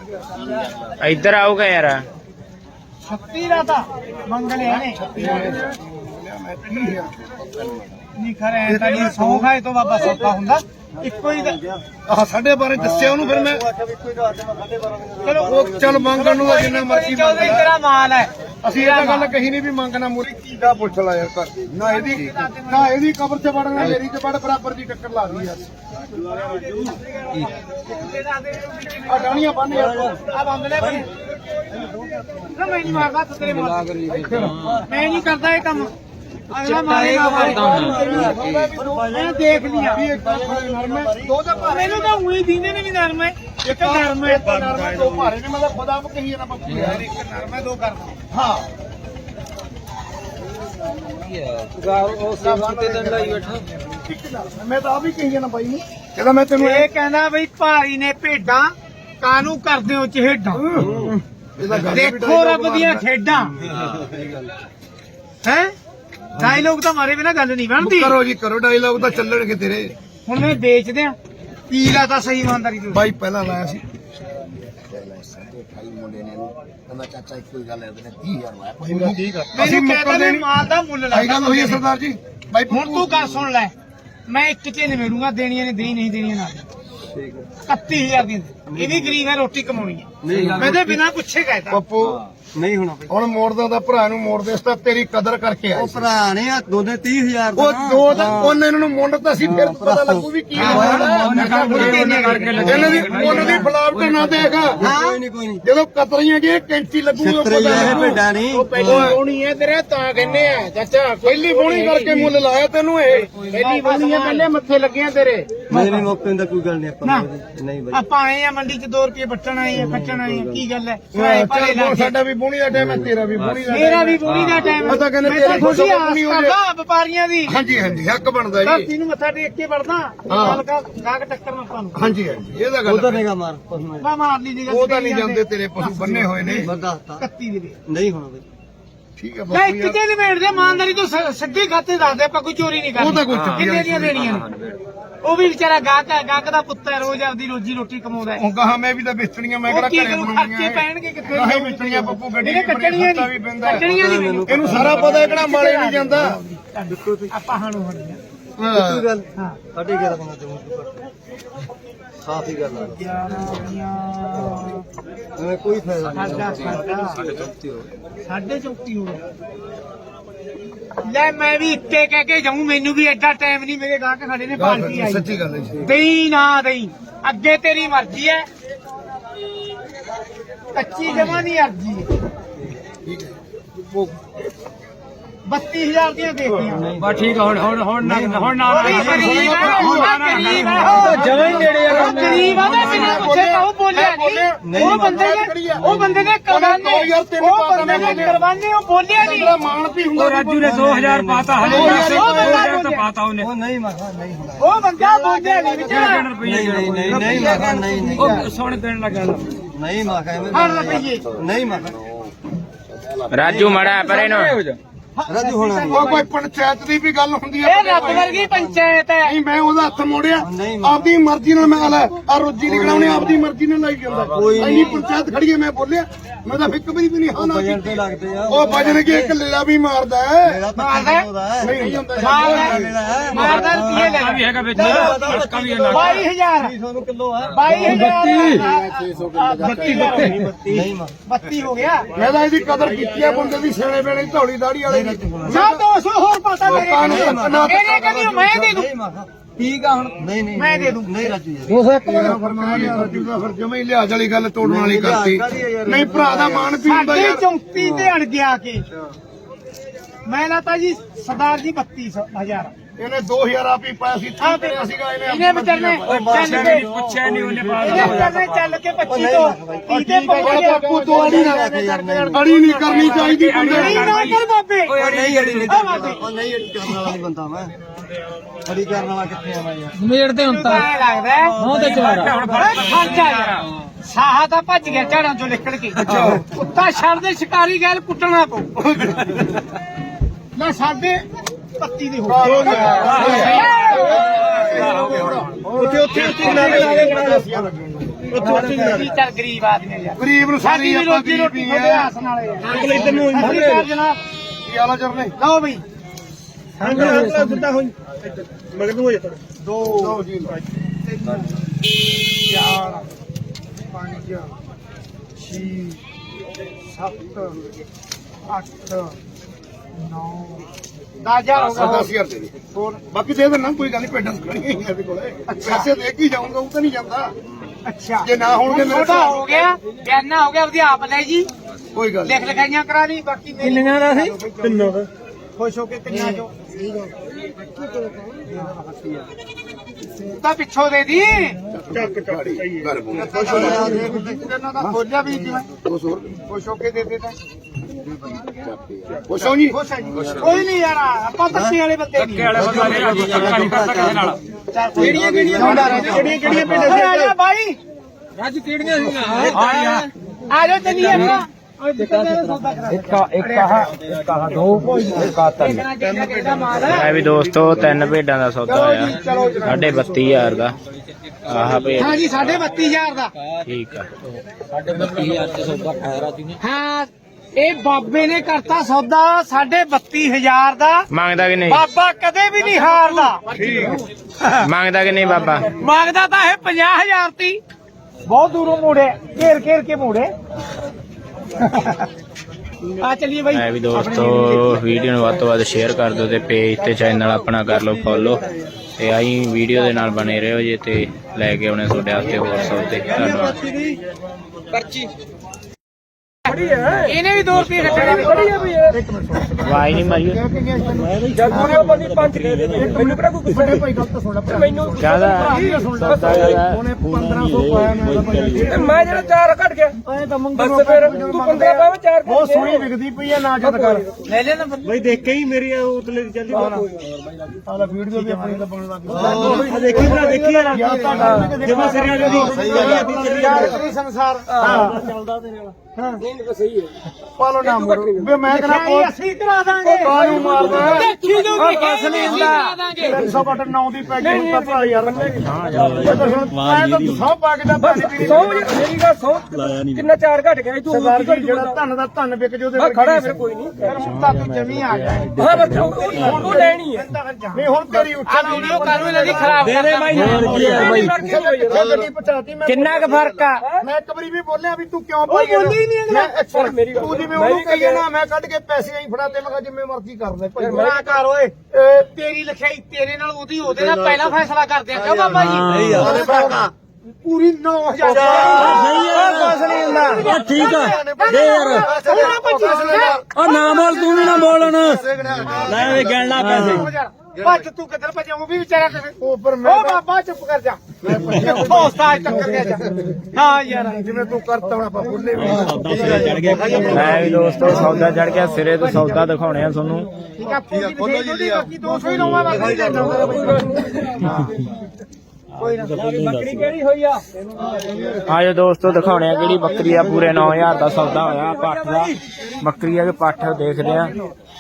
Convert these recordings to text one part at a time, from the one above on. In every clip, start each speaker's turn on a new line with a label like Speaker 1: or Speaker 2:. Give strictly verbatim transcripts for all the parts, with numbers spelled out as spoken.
Speaker 1: ਇੱਧਰ ਆਊਗਾ ਯਾਰ
Speaker 2: ਛੱਤੀ ਦਾ ਤਾਂ ਮੰਗਲੇ ਨੇ ਨਹੀਂ ਖਰੇ ਤਾਂ ਨਹੀਂ ਸੌਖਾ ਹੈ ਤੋਂ ਬਾਬਾ ਸੌਖਾ ਹੁੰਦਾ ਇੱਕੋ ਹੀ
Speaker 3: ਆਹ ਸਾਡੇ ਬਾਰੇ ਦੱਸਿਆ ਉਹਨੂੰ ਫਿਰ ਮੈਂ
Speaker 2: ਚਲੋ
Speaker 3: ਉਹ ਚੱਲ ਮੰਗਣ ਨੂੰ ਜਿੰਨਾ ਮਰਜ਼ੀ
Speaker 2: ਚੌਧਰੀ ਤੇਰਾ ਮਾਲ ਹੈ
Speaker 3: ਅਸੀਂ ਇਹ ਤਾਂ ਗੱਲ ਕਹੀ ਨਹੀਂ ਵੀ ਮੰਗਣਾ ਮੁਰੀ ਕੀ ਦਾ ਪੁੱਛ ਲਾ ਯਾਰ ਘਰ ਨਾ ਇਹਦੀ ਨਾ ਇਹਦੀ ਕਬਰ 'ਚ ਵੜਨਾ ਮੇਰੀ 'ਚ ਵੜ ਬਰਾਬਰ ਦੀ ਟੱਕਰ ਲਾ ਦੀ ਯਾਰ ਆ ਡਾਣੀਆਂ ਬੰਨ ਯਾਰ
Speaker 2: ਆ ਬੰਦਲੇ ਬਣੇ ਨਾ ਮੈਂ ਨਹੀਂ ਮਾਰਦਾ ਤੂੰ ਤੇਰੇ ਮਾਰ ਮੈਂ ਨਹੀਂ ਕਰਦਾ ਇਹ ਕੰਮ ਅਗਲਾ ਮਾਰੇਗਾ ਮੈਂ ਦੇਖ ਲਿਆ
Speaker 3: ਵੀ ਇੱਕ ਨਰਮ ਹੈ ਦੋ ਤਾਂ ਭਾਰੇ
Speaker 2: ਮੈਨੂੰ ਤਾਂ ਉਹੀ ਦੀਨੇ ਨੇ ਵੀ ਨਰਮ ਹੈ ਇੱਕ ਨਰਮ ਹੈ
Speaker 3: ਨਰਮ ਹੈ ਦੋ ਭਾਰੇ ਨੇ ਮਤਲਬ ਖੁਦਾ ਨੂੰ ਕਹੀ ਨਾ ਬੱਪੂ ਯਾਰ
Speaker 2: ਇੱਕ ਨਰਮ ਹੈ ਦੋ ਕਰ
Speaker 3: ਹਾਂ ਮੈਂ ਤਾਂ ਆ ਵੀ ਕਹੀ ਨਾ ਬਾਈ ਨੂੰ ਕਹਿੰਦਾ ਮੈਂ ਤੈਨੂੰ
Speaker 2: ਇਹ ਕਹਿੰਦਾ ਬਈ ਭਾਰੀ ਨੇ ਭੇਡਾਂ ਕਾਹਨੂੰ ਕਰਦੇ ਹੋ ਚਿਹੜਾਂ ਦੇਖੋ ਰੱਬ ਦੀਆਂ ਖੇਡਾਂ ਹੈ ਡਾਇਲੋਗ ਤਾਂ ਮਾਰੇ ਬਿਨਾ ਗੱਲ ਨਹੀਂ ਬਣਦੀ
Speaker 3: ਕਰੋ ਜੀ ਕਰੋ ਡਾਇਲੌਗ ਤਾਂ ਚੱਲਣਗੇ ਤੇਰੇ
Speaker 2: ਹੁਣ ਮੈਂ ਵੇਚਦੇ ਆ ਪੀਲਾ ਤਾਂ ਸਹੀ ਇਮਾਨਦਾਰੀ ਤੋਂ
Speaker 3: ਬਾਈ ਪਹਿਲਾਂ ਲਾਇਆ ਸੀ
Speaker 4: ਚਾਚਾ ਇੱਕੋ ਹੀ ਗੱਲ ਹੈ ਤੀਹ ਹਜ਼ਾਰ ਲਾਇਆ
Speaker 3: ਠੀਕ ਆ
Speaker 2: ਮੈਨੂੰ ਕਹਿੰਦਾ ਵੀ ਮਾਲ ਦਾ ਮੁੱਲ
Speaker 3: ਆਈ ਗੱਲ ਹੋਈ ਹੈ
Speaker 2: ਲਾ
Speaker 3: ਸਰਦਾਰ ਜੀ ਬਾਈ
Speaker 2: ਹੁਣ ਤੂੰ ਗੱਲ ਸੁਣ ਲੈ ਮੈਂ ਇੱਕ ਚ ਨਿਬੇੜੂਗਾ ਦੇਣੀਆਂ ਨੇ ਦੇਈ ਨਹੀਂ ਦੇਣੀਆਂ ਨਾਲ ਇਕੱਤੀ ਹਜ਼ਾਰ ਦੀ ਇਹ ਵੀ ਗਰੀਬ ਹੈ ਰੋਟੀ ਕਮਾਉਣੀ ਹੈ ਮੈਂ ਤੇ ਬਿਨਾਂ ਪੁੱਛੇ ਕਹਿਤਾ
Speaker 3: ਪੱਪੂ
Speaker 4: ਨਹੀਂ ਹੋਣਾ
Speaker 3: ਹੁਣ ਮੋੜਦਾ ਦਾ ਭਰਾ ਨੂੰ ਮੋੜ ਦੇ ਇਸ ਤਾਂ ਤੇਰੀ ਕਦਰ ਕਰਕੇ ਆਇਆ
Speaker 4: ਉਹ ਭਰਾ ਨੇ ਆ ਦੋਨੇ ਤੀਹ ਹਜ਼ਾਰ
Speaker 3: ਉਹ ਦੋ ਤਾਂ ਉਹਨੇ ਇਹਨਾਂ ਨੂੰ ਮੁੰਡ ਤਾਂ ਸੀ ਫਿਰ ਪਤਾ ਲੱਗੂ ਵੀ ਕੀ ਇਹਨਾਂ ਦੀ ਉਹਨਾਂ ਦੀ ਫਲਾਵਟ ਨਾ ਦੇਖ
Speaker 4: ਕੋਈ ਨਹੀਂ ਕੋਈ ਨਹੀਂ
Speaker 3: ਜਦੋਂ ਕਤਰੀਆਂ ਗਏ ਕੈਂਚੀ ਲੱਗੂ ਉਹ
Speaker 4: ਛਤਰੀ ਹੈ ਭੇਡਾਂ ਨਹੀਂ
Speaker 2: ਉਹ ਪਹਿਲੀ ਬੋਣੀ ਹੈ ਤੇਰੇ ਤਾਂ ਕਹਿੰਦੇ ਆ ਚਾਚਾ
Speaker 3: ਪਹਿਲੀ ਬੋਣੀ ਕਰਕੇ ਮੁੱਲ ਲਾਇਆ ਤੈਨੂੰ ਇਹ
Speaker 2: ਪਹਿਲੀ ਬੋਣੀ ਹੈ ਪਹਿਲੇ ਮੱਥੇ ਲੱਗੇ ਆ ਤੇਰੇ
Speaker 4: ਮੇਰੇ ਮੌਕੇ ਦਾ ਕੋਈ ਗੱਲ ਨਹੀਂ
Speaker 2: ਨਾ
Speaker 4: ਆਪਾਂ ਨਹੀਂ ਬਾਈ
Speaker 2: ਆਪਾਂ ਆਏ ਆ ਮੰਡੀ ਚ ਦੋ ਰੁਪਏ ਬੱਟਣ ਆਏ ਆ ਖੱਟਣ ਆਏ ਆ ਕੀ ਗੱਲ ਹੈ ਸਾਰੇ ਭਾਲੇ
Speaker 3: ਚੱਲ
Speaker 2: ਲੱਗ ਗਏ।
Speaker 3: ਸਾਡਾ ਵੀ ਬੋਣੀ ਦਾ ਟਾਈਮ ਹੈ ਤੇਰਾ ਵੀ ਬੋਣੀ ਦਾ
Speaker 2: ਮੇਰਾ ਵੀ ਬੋਣੀ ਦਾ ਟਾਈਮ
Speaker 3: ਮੈਂ ਤਾਂ ਕਹਿੰਦਾ
Speaker 2: ਮੈਂ ਤਾਂ
Speaker 3: ਤੇਰੀ
Speaker 2: ਖੁਸ਼ੀ
Speaker 3: ਖੁਸ਼ੀ
Speaker 2: ਆਸ
Speaker 3: ਨਹੀਂ ਹੋ ਜਾਏ।
Speaker 2: ਕਰਦਾ ਵਪਾਰੀਆਂ ਦੀ
Speaker 3: ਹਾਂਜੀ ਹਾਂਜੀ ਹੱਕ ਬਣਦਾ ਜੀ
Speaker 2: ਧਰਤੀ ਨੂੰ ਮੱਥਾ ਟੇਕ ਕੇ ਵੜਦਾ ਗੱਲ ਗਾਗ ਟੱਕਰ ਨਾ ਪਾਉਂ
Speaker 3: ਹਾਂਜੀ ਹਾਂਜੀ ਇਹਦਾ ਗੱਲ
Speaker 4: ਉਧਰ ਨਿਗਾ ਮਾਰ ਪਸ਼ੂ ਮਾਰ
Speaker 2: ਮੈਂ ਮਾਰ ਲਈ ਜੀ
Speaker 3: ਉਹ ਤਾਂ ਨਹੀਂ ਜਾਂਦੇ ਤੇਰੇ ਪਸ਼ੂ ਬੰਨੇ ਹੋਏ ਨੇ
Speaker 4: ਬਰਦਾਸ਼ਤ
Speaker 2: ਇਕੱਤੀ ਦੇ ਵਿੱਚ
Speaker 4: ਨਹੀਂ ਹੋਣਾ ਬਾਈ
Speaker 3: ਠੀਕ ਹੈ
Speaker 2: ਮੈਂ
Speaker 3: ਬਾਪੂ
Speaker 2: ਇੱਕ
Speaker 3: ਯਾਰ
Speaker 2: ਜੇ ਨਿਬੇੜ ਦੇ ਇਮਾਨਦਾਰੀ ਤੋਂ ਸ- ਸਿੱਧੀ ਖਾਤੇ ਦੱਸਦੇ ਆਪਾਂ ਕੋਈ ਚੋਰੀ ਨਹੀਂ ਕਰਨੀ
Speaker 3: ਉਹ ਤਾਂ ਕੋਈ ਚੱਕਰ
Speaker 2: ਕਿੰਨੇ ਦੀਆਂ ਦੇਣੀਆਂ ਨੇ ਉਹ ਵੀ ਵਿਚਾਰਾ ਗਾਹਕ ਹੈ ਗਾਹਕ ਦਾ ਪੁੱਤ ਹੈ ਰੋਜ਼ ਆਪਦੀ ਰੋਜੀ ਰੋਟੀ ਕਮਾਉਂਦਾ ਹੈ
Speaker 3: ਉਹ ਕਹਾ ਮੈਂ ਵੀ ਤਾਂ ਵੇਚਣੀਆਂ ਮੈਂ
Speaker 2: ਉਹ
Speaker 3: ਕਿਹੜਾ
Speaker 2: ਕੀ
Speaker 3: ਘਰੇ
Speaker 2: ਕਰੂ
Speaker 3: ਬਣਾਉਣੀਆਂ
Speaker 2: ਖਰਚੇ ਪੈਣਗੇ ਕਿੱਥੇ
Speaker 3: ਕਾਹੇ ਵੇਚਣੀਆਂ ਪੱਪੂ ਗੱਡੀ
Speaker 2: ਇਹਨੇ ਕੱਟਣੀਆਂ
Speaker 3: ਖਰਚਾ ਵੀ
Speaker 2: ਨਹੀਂ
Speaker 3: ਪੈਂਦਾ
Speaker 2: ਕੱਟਣੀਆਂ ਨਹੀਂ ਮੈਨੂੰ
Speaker 3: ਇਹਨੂੰ ਸਾਰਾ ਪਤਾ ਹੈ ਕਿਹੜਾ ਮਾਲੇ ਨਹੀਂ ਜਾਂਦਾ
Speaker 2: ਆਪਾਂ ਹਾਣੂ ਹੜੀਆਂ
Speaker 4: ਕੋਈ ਗੱਲ
Speaker 2: ਹਾਂ
Speaker 4: ਸਾਢੇ ਗਿਆਰਾਂ ਬੰਦਾ ਤੇ ਸਾਫ ਹੀ ਗੱਲ ਆ ਐਵੇਂ ਕੋਈ ਫਾਇਦਾ ਨਹੀਂ
Speaker 2: ਸਾਡਾ ਸਾਡਾ ਸਾਢੇ ਚੌਂਤੀ ਹੋ ਗਿਆ ਲੈ ਮੈਂ ਵੀ ਇੱਕੇ ਕਹਿ ਕੇ ਜਾਊਂ ਮੈਨੂੰ ਵੀ ਐਡਾ ਟਾਈਮ ਨਹੀਂ ਮੇਰੇ ਗਾਹਕ ਖੜੇ ਨੇ ਪਾਲਟੀ ਆਈ
Speaker 3: ਸੱਚੀ ਗੱਲ ਹੈ ਜੀ
Speaker 2: ਦੇਈ ਨਾ ਦੇਈ ਅੱਗੇ ਤੇਰੀ ਮਰਜ਼ੀ ਹੈ ਕੱਚੀ ਜਮਾ ਨਹੀਂ ਅਰਜੀ
Speaker 3: ਠੀਕ ਹੈ
Speaker 2: ਬੱਤੀ ਹਜ਼ਾਰ ਦੀਆਂ ਦੇਤੀਆਂ
Speaker 1: ਬਸ ਠੀਕ ਆ ਹੁਣ ਹੁਣ ਹੁਣ ਨਾ ਹੁਣ ਨਾ
Speaker 2: ਉਹ ਵੀ ਗਰੀਬ ਹੈ ਉਹ ਵੀ ਗਰੀਬ ਹੈ ਉਹ
Speaker 1: ਜਮਾਂ ਹੀ ਨੇੜੇ ਆ
Speaker 2: ਉਹ ਗਰੀਬ ਆ ਤੇ ਬਿਨਾਂ ਪੁੱਛੇ ਤਾਂ ਉਹ ਬੋਲਿਆ ਨਹੀਂ ਉਹ ਬੰਦੇ ਨੇ ਉਹ ਬੰਦੇ ਨੇ ਕਰਵਾਨੇ ਉਹ ਬੰਦੇ ਨੇ ਕਰਵਾਨੇ ਉਹ ਬੋਲਿਆ ਨਹੀਂ
Speaker 3: ਤੇਰਾ ਮਾਣ ਵੀ ਹੁੰਦਾ
Speaker 1: ਰਾਜੂ ਨੇ ਦੋ ਹਜ਼ਾਰ ਪਾਤਾ ਹਲੇ
Speaker 2: ਉਹ
Speaker 1: ਦੋ
Speaker 2: ਬੰਦਾ
Speaker 1: ਹਜ਼ਾਰ ਤਾਂ
Speaker 2: ਬੋਲਿਆ।
Speaker 1: ਪਾਤਾ ਉਹਨੇ
Speaker 4: ਉਹ ਨਹੀਂ ਮਖਾ ਨਹੀਂ ਹੋਣਾ
Speaker 2: ਉਹ ਬੰਦਾ ਬੋਲਿਆ ਨਹੀਂ ਵਿਚਾਰਾ
Speaker 4: ਨਹੀਂ ਨਹੀਂ ਨਹੀਂ ਨਹੀਂ ਮਖਾ ਨਹੀਂ ਨਹੀਂ
Speaker 1: ਉਹ ਸੋਨੇ ਦੇਣ ਲੱਗਾ
Speaker 4: ਨਹੀਂ ਮਖਾ ਐਵੇਂ
Speaker 2: ਹਰ ਰੁਪਈਏ
Speaker 4: ਨਹੀਂ ਮਖਾ
Speaker 1: ਰਾਜੂ ਮੜਾ ਪਰੇ ਨੂੰ
Speaker 4: ਰਾਜੂ ਹੋਣਾ ਨਹੀਂ
Speaker 3: ਉਹ ਕੋਈ ਪੰਚਾਇਤ ਦੀ ਵੀ ਗੱਲ ਹੁੰਦੀ ਹੈ
Speaker 2: ਇਹ ਰੱਬ ਵਰਗੀ ਪੰਚਾਇਤ ਹੈ
Speaker 3: ਨਹੀਂ ਮੈਂ ਉਹਦਾ ਹੱਥ ਮੋੜਿਆ
Speaker 4: ਨਹੀਂ।
Speaker 3: ਆਪਦੀ ਮਰਜ਼ੀ ਨਾਲ ਮੈਂ ਲੈ ਆ ਰੋਜੀ ਨਿਕਲਾਉਣੇ ਆਪਦੀ ਮਰਜ਼ੀ ਨਾਲ ਲਾਈ ਜਾਂਦਾ
Speaker 4: ਕੋਈ ਨਹੀਂ।
Speaker 3: ਇੰਨੀ ਪੰਚਾਇਤ ਖੜੀ ਹੈ ਮੈਂ ਬੋਲਿਆ ਮੈਂ ਤਾਂ ਫਿੱਕ ਵੀ ਨਹੀਂ ਹਾਂ ਨਾ
Speaker 4: ਵਜਨ
Speaker 3: ਕੀਤੀ।
Speaker 4: ਤੇ ਲੱਗਦੇ ਆ
Speaker 3: ਉਹ ਵਜਨ ਕੀ ਇੱਕ ਲੀਲਾ ਵੀ ਮਾਰਦਾ ਹੈ
Speaker 4: ਮੇਰਾ ਪੱਚੀ ਕਿਲੋ ਦਾ ਹੈ
Speaker 3: ਨਹੀਂ ਨਹੀਂ ਹੁੰਦਾ
Speaker 2: ਮਾਰਦਾ ਮਾਰਦਾ ਰੁਪਈਏ ਲੈ
Speaker 1: ਵੀ ਹੈਗਾ ਵਿੱਚ ਹਲਕਾ ਵੀ ਹੈ
Speaker 2: ਬਾਈ ਹਜ਼ਾਰ
Speaker 4: ਛੇ ਸੌ ਨੂੰ ਕਿਲੋ ਹੈ
Speaker 2: ਬਾਈ ਹਜ਼ਾਰ ਬੱਤੀ
Speaker 4: ਨਹੀਂ ਮਖਾ
Speaker 2: ਬੱਤੀ ਹੋ ਗਿਆ
Speaker 3: ਮੈਂ ਤਾਂ ਇਹਦੀ ਕਦਰ ਕੀਤੀ ਹੈ ਬੰਦੇ ਦੀ ਸਿਆਣੇ ਬੇਣੇ ਧੌਲੀ ਦਾੜੀ ਵਾਲੇ ਦੀ
Speaker 2: ਨਾ ਦੋ ਸੌ ਹੋਰ ਪਤਾ ਮੇਰੇ
Speaker 3: ਲੋਕਾਂ ਨੂੰ ਧੱਕਣਾ-
Speaker 2: ਇਹਨੇ ਕਹਿੰਦੀ ਮੈਂ ਦੇ ਦੂੰ
Speaker 4: ਨਹੀਂ ਮਖਾ ਠੀਕ ਆ ਹੁਣ ਨਹੀਂ ਨਹੀਂ
Speaker 2: ਮੈਂ ਦੇ ਦੂੰ।
Speaker 4: ਨਹੀਂ ਰਾਜੂ ਯਾਰ
Speaker 3: ਤੇਰਾ ਫਰਮਾਨ ਯਾਰ ਰਾਜੂ ਦਾ ਫਿਰ ਜਮੇ ਹੀ ਲਿਹਾਜ਼ ਵਾਲੀ ਗੱਲ ਤੋੜਨ ਵਾਲੀ ਕਰਤੀ ਨਹੀਂ ਭਰਾ ਦਾ ਮਾਣ ਵੀ ਹੁੰਦਾ
Speaker 2: ਸਾਡੇ
Speaker 3: ਯਾਰ
Speaker 2: ਚੌਂਤੀ ਤੇ ਅੜ ਗਿਆ ਕੇ ਮੈਂ ਲਾਤਾ ਜੀ ਸਰਦਾਰ ਜੀ ਬੱਤੀ ਸੌ ਹਜ਼ਾਰ
Speaker 3: ਇਹਨੇ ਦੋ ਹਜ਼ਾਰ ਆਪ ਹੀ ਪਾਇਆ ਸੀ
Speaker 2: ਆਹ
Speaker 3: ਤੇ ਸੀਗਾ
Speaker 2: ਇਹਨੇ ਵਿਚਾਰਨੇ ਚੱਲ ਕੇ
Speaker 1: ਪੁੱਛਿਆ ਨਹੀਂ ਉਹਨੇ
Speaker 2: ਇਹਨੇ ਵਿਚਾਰਨੇ ਚੱਲ ਕੇ ਪੱਚੀ ਤੋਂ ਤੀਹ ਤੇ ਪਹੁੰਚ
Speaker 3: ਉਹ
Speaker 2: ਗਿਆ
Speaker 3: ਬਾਪੂ ਦੋ ਅੜੀ ਨਾ ਅੜੀ ਨਹੀਂ ਕਰਨੀ ਚਾਹੀਦੀ ਬੰਦੇ
Speaker 2: ਨਹੀਂ
Speaker 3: ਨੂੰ।
Speaker 2: ਨਾ ਕਰ ਬਾਬੇ
Speaker 4: ਓਏ ਨਹੀਂ ਅੜੀ ਨਹੀਂ
Speaker 2: ਆ ਬਾਬੇ
Speaker 4: ਉਹ ਨਹੀਂ ਅੜੀ ਕਰਨ ਵਾਲਾ ਨਹੀਂ ਬੰਦਾ ਮੈਂ ਅੜੀ ਕਰਨ ਵਾਲਾ ਕਿੱਥੇ ਆਵਾਂ ਯਾਰ
Speaker 1: ਮੇੜਦੇ ਹੁਣ ਤਾਂ
Speaker 2: ਐ ਲੱਗਦਾ ਹੈ
Speaker 1: ਹਾਂ ਤੇ ਚਵਾਰਾ
Speaker 2: ਖਰਚਾ ਯਾਰ ਸਾਹਾ ਤਾਂ ਭੱਜ ਗਿਆ ਝਾੜਾਂ ਚੋਂ ਨਿਕਲ ਕੇ ਕੁੱਤਾ ਛੱਡਦੇ ਸ਼ਿਕਾਰੀ ਗੈਲ ਕੁੱਟਣਾ ਪਊ ਨਾ ਸਾਡੇ ਪੱਤੀ ਦੇ ਹੋ
Speaker 3: ਉੱਥੇ ਉੱਥੇ ਉੱਥੇ ਲਾ ਕੇ ਲਾ ਕੇ
Speaker 2: ਚੱਲ ਗਰੀਬ ਆਦਮੀ ਯਾਰ
Speaker 3: ਗਰੀਬ ਨੂੰ
Speaker 2: ਸਾਡੀ
Speaker 3: ਸਾਰੀ
Speaker 2: ਵੀ
Speaker 3: ਆਪਾਂ
Speaker 2: ਰੋਟੀ
Speaker 3: ਗਰੀਬ
Speaker 2: ਰੋਟੀ
Speaker 3: ਹੀ
Speaker 2: ਤੁਹਾਡੇ
Speaker 3: ਆ
Speaker 2: ਆਸ ਨਾਲ ਹੈ
Speaker 3: ਅੰਕਲ ਇੱਧਰ ਨੂੰ
Speaker 2: ਅਸੀਂ ਕਰ ਜਨਾਬ
Speaker 3: ਕੀ ਹਾਲ ਆ ਚਰਨੇ
Speaker 2: ਲਓ ਬਈ
Speaker 3: ਅੰਕਲ ਸਿੱਧਾ ਹੋਈ ਮਗਰ ਨੂੰ ਹੋ ਜਾ ਦੋ ਦੋ ਜੀ
Speaker 2: ਚਾਰ ਪੰਜ ਛੇ ਸੱਤ ਅੱਠ ਨੌ ਦਸ ਹਜ਼ਾਰ ਹੋ
Speaker 3: ਦਸ
Speaker 2: ਗਿਆ
Speaker 3: ਹਜ਼ਾਰ ਦੇ ਦੇ ਹੋਰ ਬਾਕੀ ਦੇ ਦੇਣਾ ਕੋਈ ਗੱਲ ਨਹੀਂ ਪੇਡਾਂ ਖੜੀਆਂ ਹੀ ਇਹਦੇ ਕੋਲੇ ਪੈਸੇ ਦੇ ਕੇ ਹੀ ਜਾਊਂਗਾ ਉਹ ਤਾਂ ਨਹੀਂ ਜਾਂਦਾ
Speaker 2: ਅੱਛਾ
Speaker 3: ਜੇ ਨਾ ਹੋਣਗੇ ਮੇਰੇ
Speaker 2: ਛੋਟਾ ਹੋ ਗਿਆ ਬਿਆਨਾ ਹੋ ਗਿਆ ਉਹਦੀ ਆਪ ਲੈ ਜੀ
Speaker 3: ਕੋਈ ਗੱਲ
Speaker 2: ਲਿਖ ਲਿਖਾਈਆਂ ਕਰਾ ਲਈ ਬਾਕੀ ਕਿੰਨੀਆਂ ਦਾ ਸੀ ਤਿੰਨੋਂ ਦਾ ਖੁਸ਼ ਹੋ ਕੇ ਕਿੰਨਾ ਚੋਂ ਤਾਂ ਪਿੱਛੋਂ ਦੇ ਦੀ
Speaker 3: ਚੱਕ ਚੱਕ ਕਰ ਬੋਲ
Speaker 2: ਇਹਨਾਂ ਦਾ ਖੋਲਿਆ ਵੀ ਜਿਵੇਂ
Speaker 3: ਦੋ ਸੌ
Speaker 2: ਖੁਸ਼ ਹੋ ਕੇ ਦੇ ਦੇ ਤਾਂ
Speaker 3: ਖੁਸ਼ ਹੋ ਜੀ
Speaker 2: ਖੁਸ਼ ਹੈ ਜੀ ਕੋਈ ਨਹੀਂ ਯਾਰ ਆਪਾਂ ਧੱਕੇ ਵਾਲੇ ਬੰਦੇ ਨਹੀਂ
Speaker 1: ਵਾਲੇ ਬੰਦਾ ਨਹੀਂ ਰਾਜੀ ਧੱਕਾ ਨਹੀਂ ਕਰਦਾ ਕਿਸੇ ਨਾਲ
Speaker 2: ਕਿਹੜੀਆਂ ਕਿਹੜੀਆਂ ਕਿਹੜੀਆਂ ਕਿਹੜੀਆਂ ਪਿੰਡ ਸੇ ਆ ਜਾ ਬਾਈ
Speaker 1: ਰਾਜੂ ਕਿਹੜੀਆਂ ਸੀਗੀਆਂ ਹਾਂ ਯਾਰ
Speaker 2: ਆ ਜਾ ਚੱਲੀਏ ਆਪਾਂ ਇੱਕ
Speaker 1: ਇੱਕ ਇੱਕ ਆਹ ਇੱਕ ਆਹ ਦੋ ਇੱਕ ਆਹ ਤਿੰਨ
Speaker 2: ਕਿਹੜਾ ਕਿਹੜਾ ਮਾਲ ਹੈ
Speaker 5: ਐ ਵੀ ਦੋਸਤੋ ਤਿੰਨ ਭੇਡਾਂ ਦਾ ਸੌਦਾ ਹੋਇਆ ਸਾਢੇ ਬੱਤੀ ਹਜ਼ਾਰ ਦਾ ਆਹ ਭੇਡ
Speaker 2: ਹਾਂ ਜੀ ਸਾਢੇ ਬੱਤੀ ਹਜ਼ਾਰ ਦਾ
Speaker 5: ਠੀਕ ਆ
Speaker 1: ਸਾਡੇ ਬੱਤੀ ਹਜ਼ਾਰ ਚ ਸੌਦਾ ਖਾਇਆ ਰਾਜੂ ਨੇ
Speaker 2: ਹਾਂ ਇਹ ਬਾਬੇ ਨੇ ਕਰਤਾ ਸੌਦਾ ਸਾਢੇ ਬੱਤੀ ਹਜ਼ਾਰ ਦਾ
Speaker 5: ਮੰਗਦਾ ਕਿ ਨਹੀਂ
Speaker 2: ਬਾਬਾ ਕਦੇ ਵੀ ਨਹੀਂ ਹਾਰਦਾ
Speaker 5: ਮੰਗਦਾ ਕਿ ਨਹੀਂ ਬਾਬਾ
Speaker 2: ਮੰਗਦਾ ਤਾਂ ਇਹ ਪੰਜਾਹ ਹਜ਼ਾਰ ਤੀ ਬਹੁਤ ਦੂਰੋਂ ਮੋੜੇ ਘੇਰ ਘੇਰ ਕੇ ਮੋੜੇ ਆ ਚਲਿਏ ਬਾਈ
Speaker 5: ਐ ਵੀ ਦੋਸਤੋ ਵੀਡੀਓ ਨੂੰ ਵੱਧ ਤੋਂ ਵੱਧ ਸ਼ੇਅਰ ਕਰ ਦਿਓ ਤੇ ਪੇਜ ਤੇ ਚੈਨਲ ਆਪਣਾ ਕਰ ਲਓ ਫੋਲੋ ਤੇ ਆਈ ਵੀਡੀਓ ਦੇ ਨਾਲ ਬਣੇ ਰਹੋ ਜੇ ਤੇ ਲੈ ਕੇ ਆਉਣੇ ਤੁਹਾਡੇ ਵਾਸਤੇ ਹੋਰ ਸੌਦੇ ਧੰਨਵਾਦ
Speaker 1: ਪਰਚੀ
Speaker 2: ਇਹਨੇ ਵੀ ਦੋ ਰੁਪਏ ਰੱਖਣੇ ਨੇ
Speaker 5: ਵਾਈ ਨਹੀਂ ਮਾਰੀ
Speaker 1: ਜਗੂਰੇ ਬੰਦੀ ਪੰਜ ਮੈਨੂੰ ਕਿਹੜਾ ਕੋਈ
Speaker 3: ਵੱਡੇ ਭਾਈ ਗੱਲ ਤਾਂ ਸੁਣ ਲੈ
Speaker 1: ਮੈਨੂੰ
Speaker 5: ਜਿਆਦਾ ਸੌਦਾ ਜਿਆਦਾ
Speaker 3: ਉਹਨੇ ਪੰਦਰਾਂ ਸੌ ਪਾਇਆ ਮੈਂ
Speaker 1: ਮੈਂ ਜਿਹੜਾ ਚਾਰ ਘਟ ਗਿਆ
Speaker 3: ਐ ਤਾਂ
Speaker 1: ਬਸ ਫਿਰ ਤੂੰ ਪੰਦਰਾਂ ਪਾਵੇਂ ਚਾਰ
Speaker 3: ਬਹੁਤ ਸੋਹਣੀ ਵਿਕਦੀ ਪਈ ਆ ਨਾ ਜਦ ਕਰ
Speaker 2: ਲੈ ਲੈ ਨੰਬਰ
Speaker 3: ਬਈ ਦੇਖ ਕੇ ਹੀ ਮੇਰੀ ਉਤਲੇ ਚੱਲਦੀ ਆਲਾ ਵੀਡੀਓ ਵੀ ਆਪਣੀ ਤਾਂ ਬਣਨ ਲੱਗ ਗਈ ਦੇਖੀ ਨਾ ਦੇਖੀ ਨਾ ਜਮਾ ਸਿਰਿਆ ਦੀ ਸੰਸਾਰ ਹਾਂ ਚੱਲਦਾ ਤੇਰੇ ਵਾਲਾ ਹਾਂ ਸਹੀ ਹੈ ਪਾਲੋ ਨਾ ਮਰੋ ਵੇ ਮੈਂ ਕਹਿੰਦਾ ਕੋਈ
Speaker 2: ਅਸੀਂ ਕਰਾ ਦਾਂਗੇ
Speaker 3: ਕਾਹਨੂੰ ਮਾਰਦਾ
Speaker 2: ਦੇਖੀ ਜੋ
Speaker 3: ਬਸ ਨਹੀਂ ਹੁੰਦਾ ਤਿੰਨ ਸੌ ਬਟਨ ਨੌ ਦੀ ਪੈਕਿੰਗ ਤਾਂ ਭਰਾ ਯਾਰ ਹਾਂ ਮੈਂ ਤਾਂ ਸੌ ਪਾ ਕੇ ਦਾ ਪਾਣੀ ਪੀਣੀ
Speaker 1: ਸੌ ਮੇਰੀ ਗੱਲ ਸੌ ਕਿੰਨਾ ਚਾਰ ਘਟ ਗਿਆ ਤੂੰ
Speaker 3: ਸਰਦਾਰ ਜੀ ਜਿਹੜਾ ਧਨ ਦਾ ਧਨ ਵਿਕ ਜੋ ਉਹਦੇ
Speaker 1: ਖੜਾ ਫਿਰ ਕੋਈ ਨਹੀਂ
Speaker 2: ਫਿਰ ਹੁਣ ਤਾਂ ਤੂੰ ਜਮੀ ਆ ਗਿਆ
Speaker 1: ਹਾਂ ਬਸ ਹੁਣ ਉਹ ਲੈਣੀ ਹੈ
Speaker 3: ਨਹੀਂ ਹੁਣ ਤੇਰੀ ਉੱਠ
Speaker 2: ਆ ਵੀਡੀਓ ਕਾਨੂੰ ਇਹਨਾਂ ਦੀ ਖਰਾਬ
Speaker 1: ਦੇ ਦੇ ਬਾਈ
Speaker 3: ਗੱਡੀ ਪਹੁੰਚਾਤੀ ਮੈਂ
Speaker 2: ਕਿੰਨਾ ਕੁ ਫਰਕ ਆ
Speaker 3: ਮੈਂ ਇੱਕ ਵਾਰੀ ਵੀ ਬੋਲਿਆ ਵੀ ਤੂੰ ਕਿਉਂ ਪਾਈ ਬੋਲੀ ਹੀ ਨਹੀਂ ਅਗਲਾ
Speaker 1: ਮੇਰੀ ਗੱਲ
Speaker 3: ਤੂੰ ਜਿਵੇਂ ਉਹਨੂੰ ਕਹੀ ਨਾ ਮੈਂ ਕੱਢ ਕੇ ਪੈਸੇ ਹੀ ਫੜਾ ਤੇ ਮੈਂ ਕਿਹਾ ਜਿਵੇਂ ਮਰਜ਼ੀ ਕਰ ਲੈ ਭਾਈ
Speaker 2: ਬੜਾ ਕਰ ਓਏ ਤੇਰੀ ਲਿਖਾਈ ਤੇਰੇ ਨਾਲ ਉਹਦੀ ਉਹਦੇ ਨਾਲ ਪਹਿਲਾਂ ਫੈਸਲਾ ਕਰਦੇ ਆ ਕਿਉਂ ਬਾਬਾ ਜੀ ਪੂਰੀ ਨੌ ਹਜ਼ਾਰ
Speaker 1: ਸਹੀ
Speaker 2: ਆ ਕੁਛ ਨਹੀਂ ਹੁੰਦਾ
Speaker 1: ਠੀਕ ਆ ਦੇ ਯਾਰ ਉਹ ਨਾ ਬੋਲ ਤੂੰ ਵੀ ਨਾ ਬੋਲਣ ਲੈ ਵੇ ਗਿਣਨਾ ਪੈਸੇ
Speaker 2: ਭੱਜ ਤੂੰ ਕਿੱਧਰ ਭੱਜਿਆ ਉਹ ਵੀ ਵਿਚਾਰਾ ਕਿਵੇਂ
Speaker 3: ਉਹ ਪਰ
Speaker 2: ਓ
Speaker 3: ਮੈਂ
Speaker 2: ਬਾਬਾ ਚੁੱਪ ਕਰ ਜਾ ਉਸਤਾਦ ਟੱਕਰ ਗਿਆ ਜਾ ਹਾਂ ਯਾਰ
Speaker 3: ਜਿਵੇਂ ਤੂੰ ਕਰਤਾ ਹੁਣ ਆਪਾਂ ਬੋਲੇ ਵੀ
Speaker 1: ਚੜ ਗਿਆ
Speaker 5: ਮੈਂ ਵੀ ਦੋਸਤੋ ਸੌਦਾ ਚੜ ਗਿਆ ਸਿਰੇ ਤੋਂ ਸੌਦਾ ਦਿਖਾਉਣੇ ਆ ਤੁਹਾਨੂੰ
Speaker 2: ਠੀਕ ਆ ਫੋਟੋ ਜੀ ਬਾਕੀ ਦੋ ਸੌ ਹੀ ਲਵਾਂ ਬਾਕੀ ਲੈਣਾ ਕੋਈ ਨਾ
Speaker 1: ਬੱਕਰੀ ਕਿਹੜੀ ਹੋਈ ਆ
Speaker 5: ਆਜੋ ਦੋਸਤੋ ਦਿਖਾਉਣੇ ਆ ਕਿਹੜੀ ਬੱਕਰੀ ਆ ਪੂਰੇ ਨੌ ਹਜ਼ਾਰ ਦਾ ਸੌਦਾ ਹੋਇਆ ਪੱਠ ਦਾ ਬੱਕਰੀ ਆ ਕਿ ਪੱਠ ਦੇਖਦੇ ਆ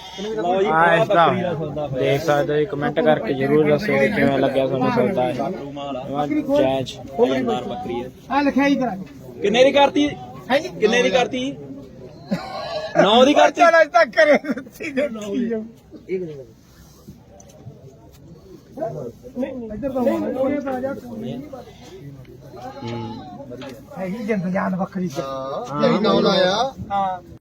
Speaker 5: ਆ ਇਸ ਦਾ ਦੇਖ ਸਕਦੇ ਹੋ ਕਮੈਂਟ ਕਰਕੇ ਜਰੂਰ ਦੱਸੋ ਕਿ ਕਿਵੇਂ ਲੱਗਿਆ ਤੁਹਾਨੂੰ ਸੌਦਾ ਹੈ ਜੈਜ ਸ਼ਾਨਦਾਰ ਬੱਕਰੀ ਹੈ
Speaker 2: ਆ ਲਿਖਾਈ ਕਰਾ
Speaker 1: ਕਿੰਨੇ ਦੀ ਕਰਤੀ
Speaker 2: ਹੈ ਜੀ
Speaker 1: ਕਿੰਨੇ ਦੀ ਕਰਤੀ ਨੌ ਦੀ ਕਰਤੀ
Speaker 2: ਚੱਲ ਅੱਜ ਤੱਕ ਕਰੇ ਸੀ ਦੇਖੀ ਜਾਓ ਇੱਧਰ ਤਾਂ ਹੋਣੇ ਪਾ ਜਾ ਹੈ ਹੀ ਜਿੰਦ ਜਾਨ ਵੱਖਰੀ
Speaker 3: ਹਾਂ ਇਹੀ ਨਾਮ ਲਾਇਆ
Speaker 2: ਹਾਂ